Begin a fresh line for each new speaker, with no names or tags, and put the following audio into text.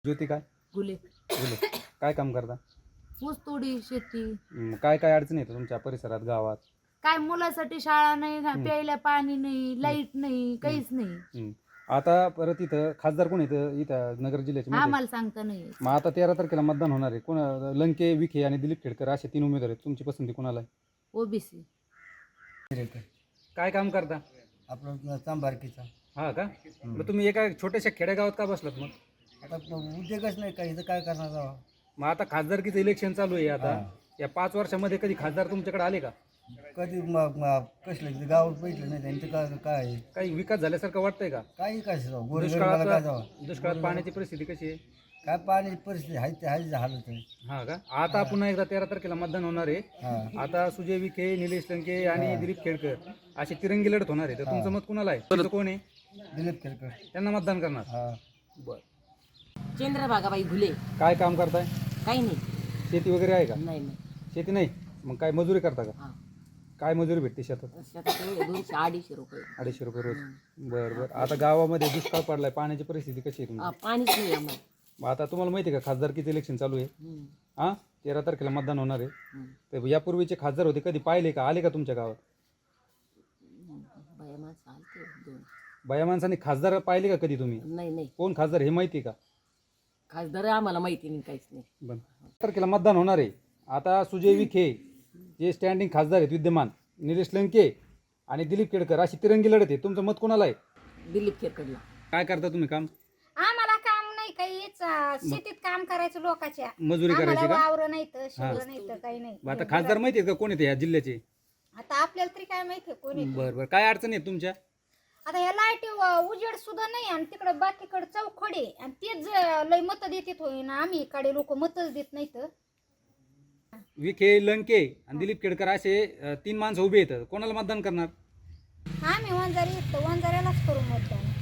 ज्योती काय
गुले
बोले काय काम करता?
ऊस तोडी शेती.
काय काय अडचणी येतात तुमच्या परिसरात गावात?
काय मुलासाठी शाळा नाही, प्यायला पाणी नाही, लाईट नाही, काहीच नाही.
हं. आता परत इथं खासदार कोण येतं इथं नगर जिल्ह्याचे माहिती आहे?
आम्हाला सांगता नाही येत.
मग आता 13 तारखेला मतदान होणार आहे. कोण लंके, विखे आणि दिलीप खेडकर असे 3 उमेदवार आहेत. तुमची पसंती कोणाला आहे?
ओबीसी.
काय काम करता?
आपलं चांबारकीचा.
हा का? मग तुम्ही एका छोट्याशा खेडेगावात का बसलात मग?
आता उद्योगच नाही काही, इथं काय करणार जावा.
मग आता खासदारकीचं इलेक्शन चालू आहे आता. या 5 वर्षामध्ये कधी खासदार तुमच्याकडे आले का?
कधी कसलं गावात बैठलं नाही त्यांचं काय काय आहे?
काही विकास झाल्यासारखं वाटतंय का?
काही काय जावं गोरगरिबाला काय जावा.
दुष्काळात पाण्याची परिस्थिती कशी आहे?
काय पाण्याची परिस्थिती आहे ते आहे हालत आहे.
हा का? आता पुन्हा एकदा 13 तारखेला मतदान होणार आहे.
हा
आता सुजय विखे, निलेश लंके आणि दिलीप खेडकर अशी तिरंगी लढत होणार आहे. तर तुमचं मत कुणाला आहे? तुमचं कोण आहे?
दिलीप खेळकर.
त्यांना मतदान करणार.
हा
बर.
चंद्रभागाबाई घुले.
काय काम करताय?
काही नाही.
शेती वगैरे आहे का?
नाही नाही.
शेती नाही. मग काय मजुरी करता का?
हा.
काय मजुरी भेटते शेतात?
शेतात एवढे 200-250 रुपये.
250 रुपये रोज. बरं बरं. आता गावामध्ये दुष्काळ पडलाय, पाण्याची परिस्थिती कशी आहे तुमची?
पाणीच नाही आम्हाला.
मग आता तुम्हाला माहिती आहे का खासदारकीचं इलेक्शन चालू आहे?
हम्म.
हां 13 तारखेला मतदान होणार आहे.
हम्म.
तर यापूर्वीचे खासदार होते, कधी पाहिले का? आले का तुमच्या गावात?
बाया माणसं आलते दोन.
बाया माणसांनी खासदार पाहिले का कधी तुम्ही?
नाही नाही.
कोण खासदार हे माहिती आहे का?
खासदार आम्हाला माहिती नाही, काहीच नाही.
बरं. तारखेला मतदान होणार आहे. आता सुजय विखे जे स्टँडिंग खासदार आहेत विद्यमान, निलेश लंके आणि दिलीप खेडकर अशी तिरंगी लढत आहे. तुमचं मत कोणाला आहे?
दिलीप खेरकडला.
काय करता तुम्ही काम?
आम्हाला काम नाही काहीच, शेतीत काम करायचं लोकांच्या.
मजुरी करायची
आम्हाला
का?
वावर नाही तर शिवलं नाही तर काही नाही.
मग आता खासदार माहिती आहेत का कोण येते या जिल्ह्याचे?
आता आपल्याला तरी काय माहितीये कोणी.
बरं बरं. काय अडचणी आहेत तुमच्या?
आता ह्या लाईट उजेड सुद्धा नाही आणि तिकडे बाकीकडे चौखडे आणि तेच लय मत देतात होय ना. आम्ही इकडे लोक मतच देत नाहीत.
विखे, लंके आणि दिलीप खेडकर असे 3 माणसं उभे आहेत. कोणाला मतदान करणार?
आम्ही वंजारी वंजाऱ्यालाच करू मतदान.